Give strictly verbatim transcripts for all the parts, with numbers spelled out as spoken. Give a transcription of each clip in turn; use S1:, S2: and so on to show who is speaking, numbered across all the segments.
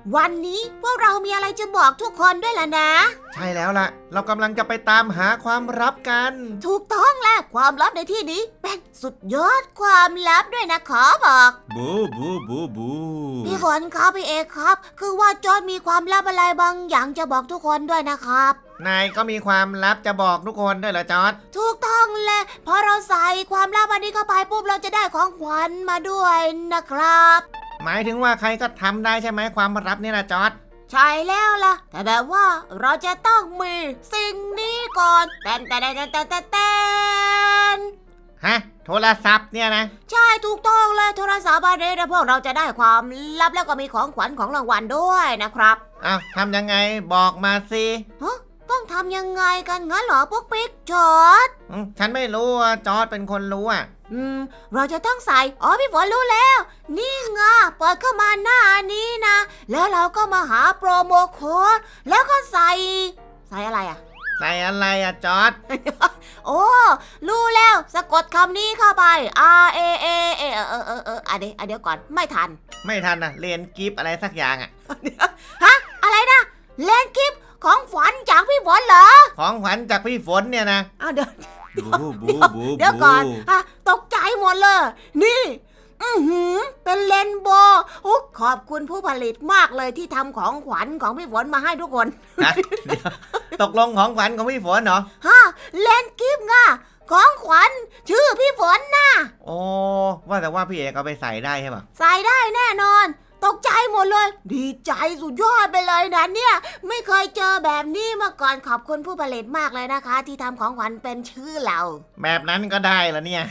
S1: วันนี้พวกเรามีอะไรจะบอกทุกคนด้วยล่ะนะ
S2: ใช่แล้วล่ะเรากำลังจะไปตามหาความลับกัน
S1: ถูกต้องแหละความลับในที่นี้เป็นสุดยอดความลับด้วยนะขอบอก
S2: บูบูบูบู
S1: พี่ฝนครับพี่เอกครับคือว่าจอร์จมีความลับอะไรบางอย่างจะบอกทุกคนด้วยนะครับ
S2: นายก็มีความลับจะบอกทุกคนด้วยเหรอจอร์จ
S1: ถูกต้องแหละพอเราใส่ความลับอันนี้เข้าไปปุ๊บเราจะได้ของขวัญมาด้วยนะครับ
S2: หมายถึงว่าใครก็ทำได้ใช่ไหมความลับนี่นะจอร์จ
S1: ใช่แล้วล่ะแต่แบบว่าเราจะต้องมีสิ่งนี้ก่อนแตนแตนแตนแตนแตนแตน
S2: ฮะโทรศัพท์เนี่ยนะ
S1: ใช่ถูกต้องเลยโทรศัพท์อันนี้นะพวกเราจะได้ความลับแล้วก็มีของขวัญของรางวัลด้วยนะครับ
S2: อ้าวทำยังไงบอกมาสิ
S1: ฮะต้องทำยังไงกันงั้นเหรอพวกปิ๊กจอร์จ
S2: ฉันไม่รู้อ่ะจอร์จเป็นคนรู้อ่ะ
S1: อืมเราจะต้องใส่อ๋อพี่ฝนรู้แล้วนี่ไงเปิดเข้ามาหน้านี้นะแล้วเราก็มาหาโปรโมโค้ดแล้วก็ใส่ใส่อะไรอ่ะ
S2: ใส่อะไรอ่ะจอร์จ
S1: โอ้รู้แล้วสะกดคำนี้เข้าไป R A A A เออเออเออเอออ่ะเดี๋ยวอ่ะเดี๋ยวก่อนไม่ทัน
S2: ไม่ทันนะเรียนกิฟอะไรสักอย่างอ่ะ
S1: ฮะอะไรนะเล่นกิฟของฝันจากพี่ฝนเหรอ
S2: ของขวัญจากพี่ฝนเนี่ยนะ
S1: อ้าวเดี๋ยว
S2: เดี๋ยว
S1: เดี๋ยวก่อนฮะตกใจหมดเลยนี่อือหือเป็นเลนโบว์ขอบคุณผู้ผลิตมากเลยที่ทำของขวัญของพี่ฝนมาให้ทุกคน
S2: ตกลงของขวัญของพี่ฝนเหรอ
S1: ฮะเลนกิฟต์ง่ะของขวัญชื่อพี่ฝนนะ
S2: โอ้ว่าแต่ว่าพี่เอกเอาไปใส่ได้ใช่ปะ
S1: ใส่ได้แน่นอนตกใจหมดเลยดีใจสุดยอดไปเลยนะเนี่ยไม่เคยเจอแบบนี้มาก่อนขอบคุณผู้ผลิตมากเลยนะคะที่ทำของขวัญเป็นชื่อเรา
S2: แบบนั้นก็ได้แล้วเนี่ย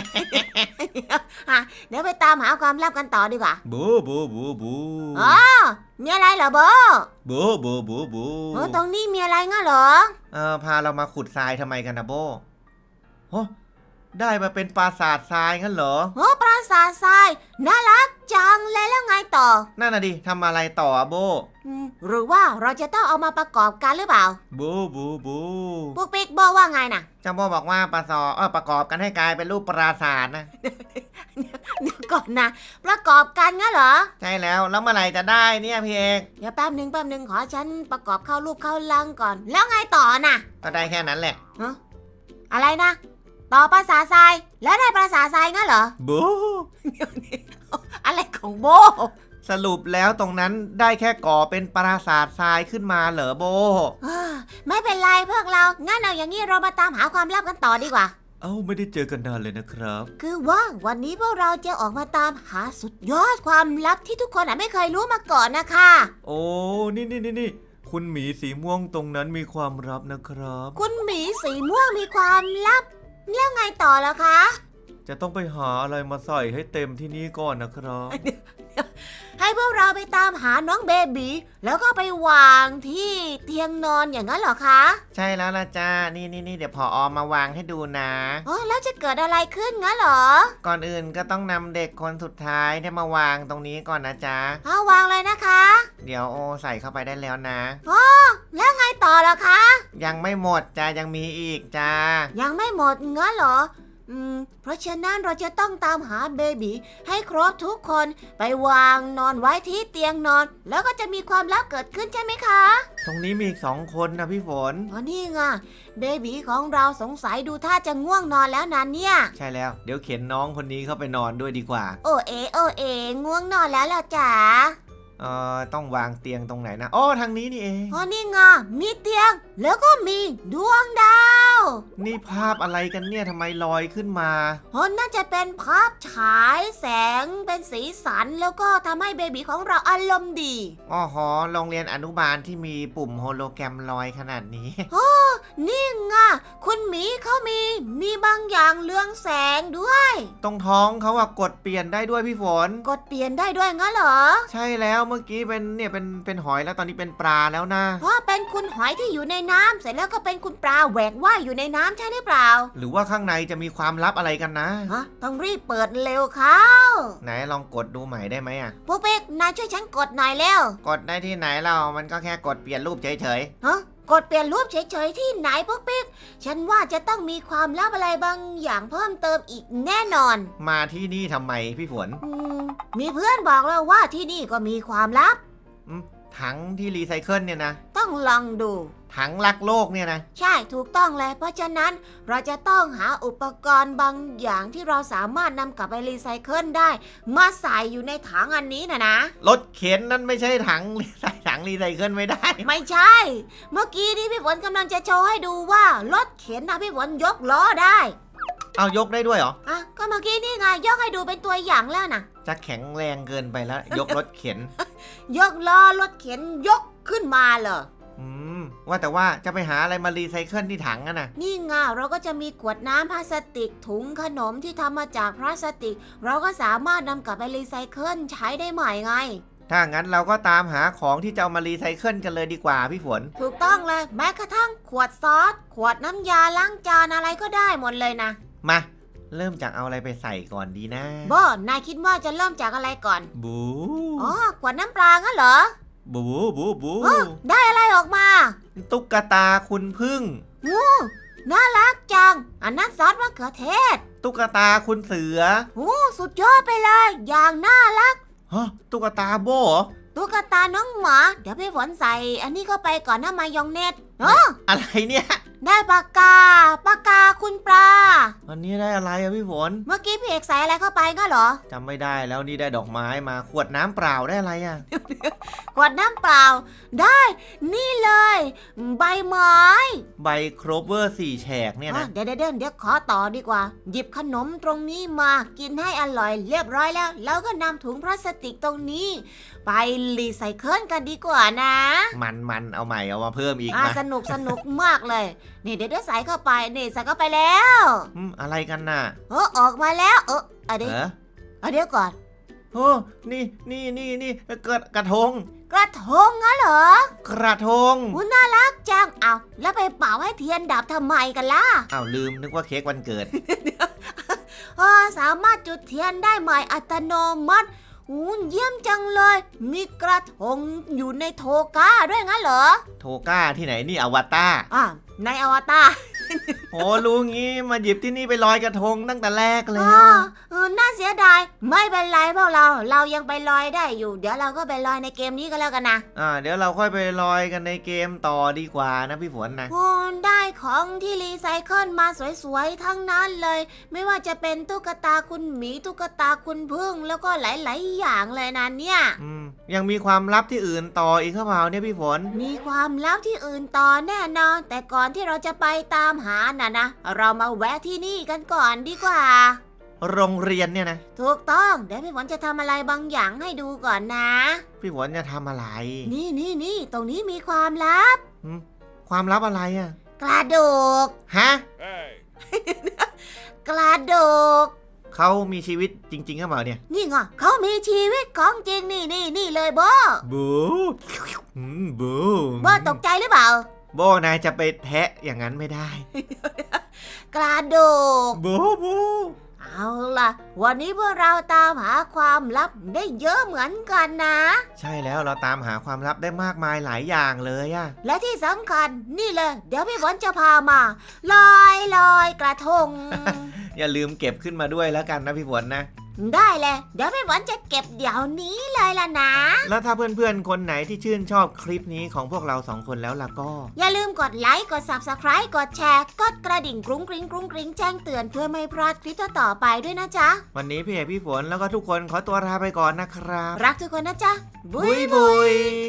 S1: เดี๋ยวไปตามหาความลับกันต่อดีกว่า
S2: บูบูบูบู
S1: อ๋อมีอะไรเหรอโบ
S2: บูบูบูบู
S1: โอ้ตรงนี้มีอะไรงั้นเหรอ
S2: เออพาเรามาขุดทรายทำไมกันนะโบโอ้ได้มาเป็นปราสาททรายงั้นเหรอ
S1: โอ้ปราสาททรายน่ารักจังเลยแล้วไงต่อ
S2: นั่นน่ะดิทำอะไรต่อโบ
S1: หรือว่าเราจะต้องเอามาประกอบกันหรือเปล่า
S2: บูบูบู
S1: ปุ๊กปิ๊กโบว่าไงน่ะ
S2: จัมโบบอกว่าประสอเออประกอบกันให้กลายเป็นรูปปราสาทนะ
S1: เดี๋ยวก่อนนะประกอบกันงั้นเหรอ
S2: ใช่แล้วแล้วเมื่อไหร่จะได้เนี่ยพี่เอก
S1: เดี๋ยวแป๊บนึงแป๊บนึงขอฉันประกอบเข้ารูปเข้าลังก่อนแล้วไงต่อน่ะ
S2: ก็ได้แค่นั้นแหละ
S1: อะไรนะต่อปราสาททรายแล้วได้ปราสาททรายงั้นเหรอ
S2: โบ
S1: อะไรของโบ
S2: สรุปแล้วตรงนั้นได้แค่ก่อเป็นปราสาททรายขึ้นมาเหรอโบ
S1: ไม่เป็นไรพวกเรางั้นเอาอย่างนี้เรามาตามหาความลับกันต่อดีกว่า
S2: เอ้าไม่ได้เจอกันนานเลยนะครับ
S1: คือว่าวันนี้พวกเราจะออกมาตามหาสุดยอดความลับที่ทุกคนไม่เคยรู้มาก่อนนะคะ
S2: โอ้นี่นี่นี่นี่คุณหมีสีม่วงตรงนั้นมีความลับนะครับ
S1: คุณหมีสีม่วงมีความลับแล้วไงต่อแล้วคะ
S2: จะต้องไปหาอะไรมาใส่ให้เต็มที่นี่ก่อนนะครับ
S1: ให้พวกเราไปตามหาน้องเบบีแล้วก็ไปวางที่เตียงนอนอย่างนั้นเหรอคะ
S2: ใช่แล้วล่ะจ้านี่นี่นี่เดี๋ยวพออมาวางให้ดูนะ
S1: อ๋อแล้วจะเกิดอะไรขึ้นงั้นเหรอ
S2: ก่อนอื่นก็ต้องนำเด็กคนสุดท้ายได้มาวางตรงนี้ก่อนนะจ๊ะ
S1: เอาวางเลยนะคะ
S2: เดี๋ยวโอใส่เข้าไปได้แล้วนะ
S1: อ๋อแล้วไงต่อล่ะคะ
S2: ยังไม่หมดจ้ายังมีอีกจ้า
S1: ยังไม่หมดงั้นเหรออืมเพราะฉะนั้นเราจะต้องตามหาเบบีให้ครบทุกคนไปวางนอนไว้ที่เตียงนอนแล้วก็จะมีความลับเกิดขึ้นใช่ไหมคะ
S2: ตรงนี้มีอีกสองคนนะพี่ฝน
S1: อ๋อนี่ไงเบบีของเราสงสัยดูท่าจะง่วงนอนแล้วนะเนี่ย
S2: ใช่แล้วเดี๋ยวเข็นน้องคนนี้เข้าไปนอนด้วยดีกว่า
S1: โอเอโอเอง่วงนอนแล้วล่ะจ๋า
S2: เอ่อต้องวางเตียงตรงไหนนะอ๋อทางนี้นี่เอง
S1: อ๋อนี่ไงมีเตียงแล้วก็มีดวงดาว
S2: นี่ภาพอะไรกันเนี่ยทำไมลอยขึ้นมา
S1: อ๋อน่าจะเป็นภาพฉายแสงเป็นสีสันแล้วก็ทำให้เบบีของเราอารมณ์ดี
S2: อ๋อหอโรงเรียนอนุบาลที่มีปุ่มโฮโลแกรมลอยขนาดนี้
S1: โอ้นี่ไงคุณหมีเขามีมีบางอย่างเรืองแสงด้วย
S2: ตรงท้องเขาอะกดเปลี่ยนได้ด้วยพี่ฝน
S1: กดเปลี่ยนได้ด้วยงั้นเหรอ
S2: ใช่แล้วเมื่อกี้เป็นเนี่ยเป็นเป็นหอยแล้วตอนนี้เป็นปลาแล้วนะ
S1: เพราะเป็นคุณหอยที่อยู่ในน้ำเสร็จแล้วก็เป็นคุณปลาแหวกว่ายอยู่ในน้ำใช่หรือเปล่า
S2: หรือว่าข้างในจะมีความลับอะไรกันนะ
S1: ฮะต้องรีบเปิดเร็วเข้า
S2: ไหนลองกดดูใหม่ได้ไหมอะ
S1: พวกเป๊กนายช่วยฉันกดหน่อยเร็ว
S2: กดได้ที่ไหนเรามันก็แค่กดเปลี่ยนรูปเฉย
S1: ๆฮะกดเปลี่ยนรูปเฉยๆที่ไหนพวกปิ๊กฉันว่าจะต้องมีความลับอะไรบางอย่างเพิ่มเติมอีกแน่นอน
S2: มาที่นี่ทำไมพี่ฝน
S1: มีเพื่อนบอกแล้วว่าที่นี่ก็มีความลับ
S2: อืมถังที่รีไซเคิลเนี่ยนะ
S1: ต้องลองดู
S2: ถังรักโลกเนี่ยนะ
S1: ใช่ถูกต้องเลยเพราะฉะนั้นเราจะต้องหาอุปกรณ์บางอย่างที่เราสามารถนำกลับไปรีไซเคิลได้ มาใส่อยู่ในถังอันนี้นะนะ
S2: รถเข็นนั่นไม่ใช่ถังใส่ถังรีไซเคิลไม่ได้
S1: ไม่ใช่ เมื่อกี้นี้พี่ฝนกำลังจะโชว์ให้ดูว่ารถเข็นนะพี่ฝนยกล้อได้
S2: เอายกได้ด้วยเหรอ
S1: อ่ะก็เมื่อกี้นี่ไงยกให้ดูเป็นตัวอย่างแล้วนะ
S2: จะแข็งแรงเกินไปแล้ว ยกรถเข็น
S1: ยกล้อรถเข็นยกขึ้นมาเลย
S2: อืมว่าแต่ว่าจะไปหาอะไรมารีไซเคิลที่ถังอะนะ
S1: นี่ไงเราก็จะมีขวดน้ำพลาสติกถุงขนมที่ทำมาจากพลาสติก เราก็สามารถนำกลับไปรีไซเคิลใช้ได้ใหม่ไง
S2: ถ้างั้นเราก็ตามหาของที่จะเอามารีไซเคิลกันเลยดีกว่าพี่ฝน
S1: ถูกต้องเลยแม้กระทั่งขวดซอส ขวดน้ำยาล้างจานอะไรก็ได้หมดเลยนะ
S2: มา เริ่มจากเอาอะไรไปใส่ก่อนดีนะ
S1: โบนายคิดว่าจะเริ่มจากอะไรก่อน
S2: บู
S1: อ๋อขวดน้ำปลางั้นเหรอ
S2: บูบูบู
S1: เออได้อะไรออกมา
S2: ตุ๊กตาคุณพึ่ง
S1: น่ารักจังอันนั้นซอสมะเขือเทศ
S2: ตุ๊กตาคุณเสือ
S1: โอ้สุดยอดไปเลย อย่างน่ารัก
S2: ฮะตุ๊กตาโบเหรอ
S1: ตุ๊กตาน้องหมา เดี๋ยวพี่ฝนใส่ อันนี้เข้าไปก่อนนะมายองเนตเออ
S2: อะไรเนี่ย
S1: ได้ปากกา ปากกาคุณปลา
S2: อันนี้ได้อะไรอะพี่ฝน
S1: เมื่อกี้พี่เอกใส่อะไรเข้าไปก็เหรอ
S2: จำไม่ได้แล้วนี่ได้ดอกไม้มาขวดน้ำเปล่าได้อะไรอะ
S1: ขวดน้ำเปล่า ได้ นี่เลย ใบไม้
S2: ใบโครเวอร์สี่แฉกเนี่ย
S1: อ่ะ
S2: นะ
S1: เดี๋ยวเดี๋ยวเดี๋ยวขอต่อดีกว่า หยิบขนมตรงนี้มา กินให้อร่อยเรียบร้อยแล้ว แล้วก็นำถุงพลาสติกตรงนี้ ไปรีไซเคิลกันดีกว่านะ
S2: มันมันเอาใหม่เอามาเพิ่มอีก
S1: อ่ะ
S2: มา
S1: สนุกสนุกมากเลย นี่เดี๋ยวเดี๋ยวใส่เข้าไป นี่ใส่เข้าไปแล้ว
S2: อืมอะไรกันน่ะ
S1: เออออกมาแล้ว เอออะเดี๋ยว
S2: เออ
S1: อะเดี๋ยวก่อน
S2: โอ้นี่นี่นี่นี่กระกระทง
S1: กระทงงั้นเหรอ
S2: กระทง
S1: อุ้น่ารักจังเอาแล้วไปเป่าให้เทียนดับทำไมกันล่ะ
S2: อ้าวลืมนึกว่าเค้กวันเกิด
S1: เออสามารถจุดเทียนได้ใหม่อัตโนมัติอู้เยี่ยมจังเลย มีกระทงอยู่ในโทก้าด้วยงั้นเหรอ
S2: โทก้าที่ไหนนี่อวตาร
S1: อ่ะในอวตาร
S2: โอ้รู้งี้มาหยิบที่นี่ไปลอยกระทงตั้งแต่แรกเลย
S1: อ๋อเออน่าเสียดาย ไม่เป็นไรพวกเรา เรายังไปลอยได้อยู่ เดี๋ยวเราก็ไปลอยในเกมนี้ก็แล้วกันนะ
S2: อ่าเดี๋ยวเราค่อยไปลอยกันในเกมต่อดีกว่านะพี่ฝนนะ
S1: โอ้ได้ของที่รีไซเคิลมาสวยๆทั้งนั้นเลย ไม่ว่าจะเป็นตุ๊กตาคุณหมีตุ๊กตาคุณพึ่งแล้วก็หลายๆอย่างเลยนะเนี่ย
S2: อืมยังมีความลับที่อื่นต่ออีกหรือเปล่าเนี่ยพี่ฝน
S1: มีความลับที่อื่นต่อแน่นอน แต่ก่อนที่เราจะไปตามหาน่ะนะ เรามาแวะที่นี่กันก่อนดีกว่า
S2: โรงเรียนเนี่ยนะ
S1: ถูกต้อง เดี๋ยวพี่ฝนจะทำอะไรบางอย่างให้ดูก่อนนะ
S2: พี่ฝนจะทำอะไร
S1: นี่นี่นี่ตรงนี้มีความลับ
S2: อืมความลับอะไรอ่ะ
S1: กระดูก
S2: ฮะ
S1: กระดูก
S2: เขามีชีวิตจริงๆหรือเปล่าเนี่ย
S1: นี่ไงเขามีชีวิตของจริงนี่นี่นี่เลยโบ
S2: บูอืมบู
S1: โบตกใจหรือเปล่า
S2: โบนายจะไปแทะอย่างนั้นไม่ได้
S1: กระดูก
S2: บูบู
S1: เอาล่ะ วันนี้พวกเราตามหาความลับได้เยอะเหมือนกันนะ
S2: ใช่แล้วเราตามหาความลับได้มากมายหลายอย่างเลยอะ
S1: และที่สำคัญนี่เลย เดี๋ยวพี่ฝนจะพามาลอยลอยกระทง
S2: อย่าลืมเก็บขึ้นมาด้วยแล้วกันนะพี่ฝนนะ
S1: ได้เลย เดี๋ยวพี่ฝนจะเก็บเดี๋ยวนี้เลยล่ะนะ
S2: แล้วถ้าเพื่อนๆคนไหนที่ชื่นชอบคลิปนี้ของพวกเราสองคนแล้วล่ะก็
S1: อย่าลืมกดไลค์กด ซับสไครบ์ กดแชร์ กดกระดิ่งกรุ้งกริ้งกรุ้งกริ้งแจ้งเตือนเพื่อไม่พลาดคลิปต่อๆไปด้วยนะจ๊ะ
S2: วันนี้พี่เอกพี่ฝนแล้วก็ทุกคนขอตัวลาไปก่อนนะครับ
S1: รักทุกคนนะจ๊ะ
S2: บุยบุย